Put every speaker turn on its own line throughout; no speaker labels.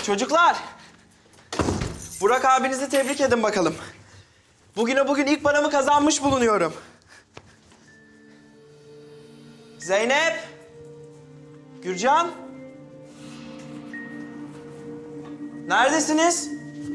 Çocuklar! Burak abinizi tebrik edin bakalım. Bugün ilk paramı kazanmış bulunuyorum. Zeynep! Gürcan! Neredesiniz?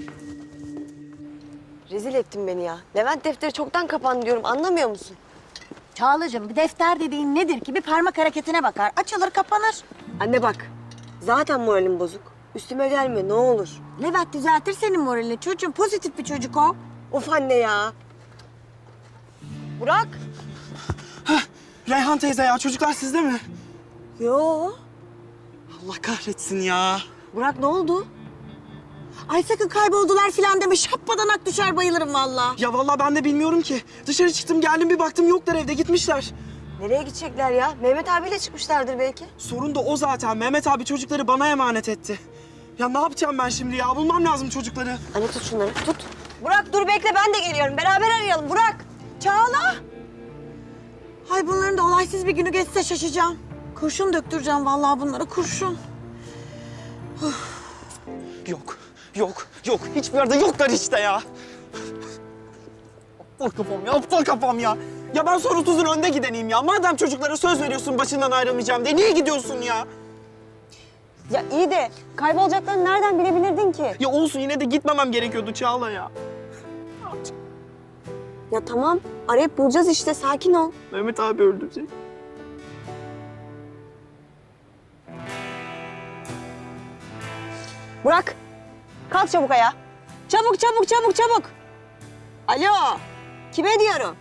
Rezil ettin beni ya. Levent defteri çoktan kapandı diyorum. Anlamıyor musun?
Çağlacığım bir defter dediğin nedir ki? Bir parmak hareketine bakar. Açılır kapanır.
Anne bak. Zaten moralim bozuk. Üstüme gelme ne olur.
Levent düzeltir senin moralini. Çocuğum pozitif bir çocuk o.
Of anne ya. Burak.
Reyhan teyze ya, çocuklar sizde mi?
Yo.
Allah kahretsin ya.
Burak ne oldu?
Ay sakın kayboldular filan deme. Şappadan düşer bayılırım vallahi.
Ya vallahi ben de bilmiyorum ki. Dışarı çıktım geldim bir baktım yoklar evde, gitmişler.
Nereye gidecekler ya? Mehmet abiyle çıkmışlardır belki.
Sorun da o zaten. Mehmet abi çocukları bana emanet etti. Ya ne yapacağım ben şimdi ya? Bulmam lazım çocukları.
Anne tut şunları tut. Burak dur bekle ben de geliyorum. Beraber arayalım Burak.
Çağla. Ay bunların da olaysız bir günü geçse şaşacağım. Kurşun döktüreceğim vallahi bunlara kurşun.
Yok. Hiçbir yerde yoklar işte ya. Aptal kafam ya. Ya ben sonra 30'un önde gideneyim ya. Madem çocuklara söz veriyorsun başından ayrılmayacağım diye, niye gidiyorsun ya?
Ya iyi de kaybolacaklarını nereden bilebilirdin ki?
Ya olsun, yine de gitmemem gerekiyordu Çağla ya.
Ya tamam arayıp bulacağız işte sakin ol.
Mehmet abi öldürecek.
Burak kalk çabuk ayağa. Çabuk. Alo kime diyorum?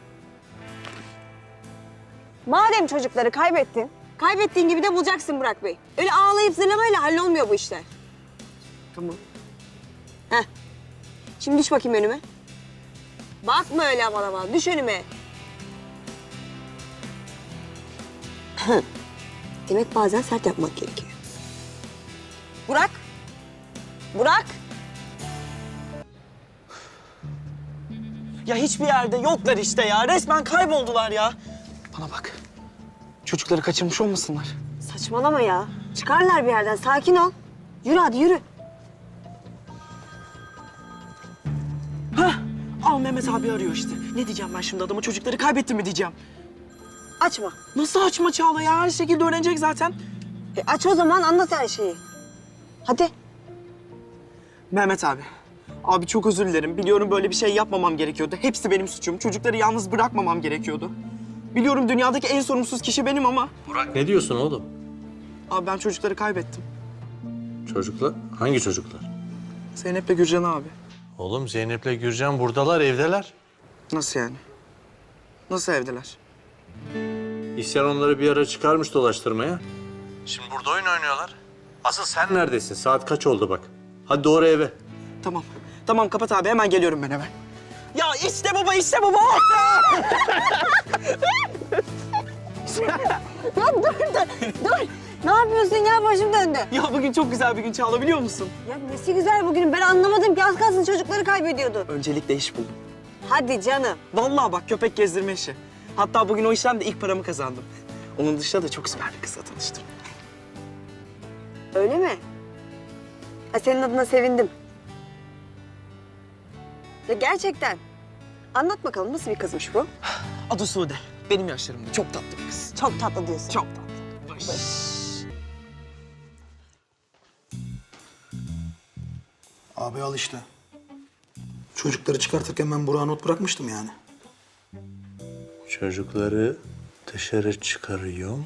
Madem çocukları kaybettiğin gibi de bulacaksın Burak Bey. Öyle ağlayıp zırlamayla hallolmuyor bu işler.
Tamam.
Heh. Şimdi düş bakayım önüme. Bakma öyle aman aman. Düş önüme. Demek bazen sert yapmak gerekiyor. Burak.
Ya hiçbir yerde yoklar işte ya. Resmen kayboldular ya. Bana bak. Çocukları kaçırmış olmasınlar.
Saçmalama ya. Çıkarlar bir yerden. Sakin ol. Yürü hadi yürü.
Hah. Al Mehmet abi arıyor işte. Ne diyeceğim ben şimdi adama, çocukları kaybettim mi diyeceğim.
Açma.
Nasıl açma Çağla ya? Her şekilde öğrenecek zaten.
Aç o zaman anlat her şeyi. Hadi.
Mehmet abi. Abi çok özür dilerim. Biliyorum böyle bir şey yapmamam gerekiyordu. Hepsi benim suçum. Çocukları yalnız bırakmamam gerekiyordu. Biliyorum dünyadaki en sorumsuz kişi benim ama...
Burak ne diyorsun oğlum?
Abi ben çocukları kaybettim.
Çocuklar? Hangi çocuklar?
Zeynep'le Gürcan abi.
Oğlum Zeynep'le Gürcan buradalar, evdeler.
Nasıl yani? Nasıl evdeler?
İhsan onları bir ara çıkarmış dolaştırmaya. Şimdi burada oyun oynuyorlar. Asıl sen neredesin? Saat kaç oldu bak. Hadi doğru eve.
Tamam. Tamam kapat abi. Hemen geliyorum ben hemen. Ya işte baba, işte baba.
Ya dur. Ne yapıyorsun ya başım döndü.
Ya bugün çok güzel bir gün Çağla, biliyor musun?
Ya nesi güzel bugün ben anlamadım ki az kalsın çocukları kaybediyordu.
Öncelikle iş buldum.
Hadi canım.
Vallahi bak, köpek gezdirme işi. Hatta bugün o işlemde ilk paramı kazandım. Onun dışında da çok süper bir kızla tanıştım.
Öyle mi? Ha, senin adına sevindim. Ya gerçekten. Anlat bakalım nasıl bir kızmış bu?
Adı Sude. Benim yaşlarımda. Çok tatlı bir kız.
Çok tatlı diyorsun.
Çok tatlı.
Abi al işte. Çocukları çıkartırken ben Burak'a not bırakmıştım yani.
Çocukları dışarı çıkarıyorum.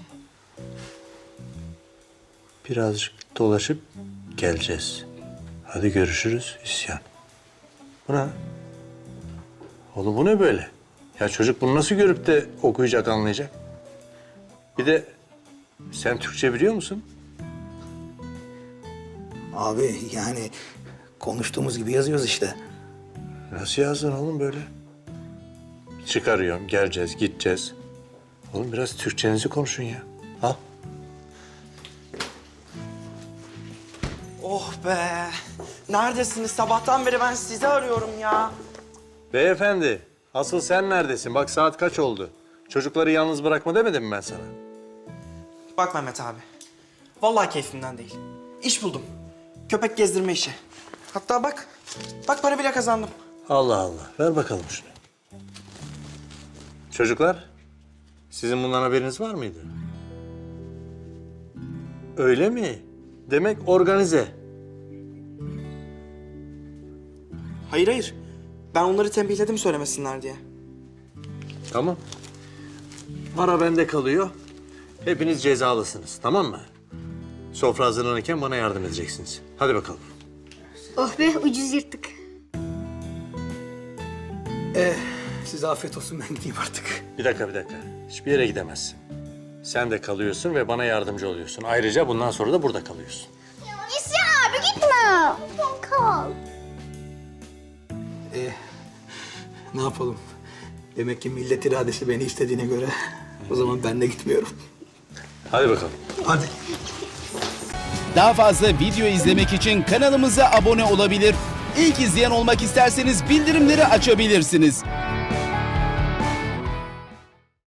Birazcık dolaşıp geleceğiz. Hadi görüşürüz İsyan. Bu ne? Oğlum bu ne böyle? Ya çocuk bunu nasıl görüp de okuyacak, anlayacak? Bir de sen Türkçe biliyor musun?
Abi yani konuştuğumuz gibi yazıyoruz işte.
Nasıl yazdın oğlum böyle? Çıkarıyorum, geleceğiz, gideceğiz. Oğlum biraz Türkçenizi konuşun ya. Al.
Oh be. Neredesiniz? Sabahtan beri ben sizi arıyorum ya.
Beyefendi, asıl sen neredesin? Bak saat kaç oldu? Çocukları yalnız bırakma demedim mi ben sana?
Bak Mehmet abi. Vallahi keyfimden değil. İş buldum. Köpek gezdirme işi. Hatta bak. Bak para bile kazandım.
Allah Allah. Ver bakalım şunu. Çocuklar, sizin bundan haberiniz var mıydı? Öyle mi? Demek organize.
Hayır hayır. Ben onları tembihledim söylemesinler diye.
Tamam. Para bende kalıyor. Hepiniz cezalısınız, tamam mı? Sofra hazırlanırken bana yardım edeceksiniz. Hadi bakalım.
Oh be ucuz yırttık.
Size afiyet olsun, ben gideyim artık.
Bir dakika. Hiçbir yere gidemezsin. Sen de kalıyorsun ve bana yardımcı oluyorsun. Ayrıca bundan sonra da burada kalıyorsun.
İsyan abi gitme. Kal.
Ne yapalım? Demek ki millet iradesi beni istediğine göre o zaman ben de gitmiyorum.
Hadi bakalım.
Hadi.
Daha fazla video izlemek için kanalımıza abone olabilir. İlk izleyen olmak isterseniz bildirimleri açabilirsiniz.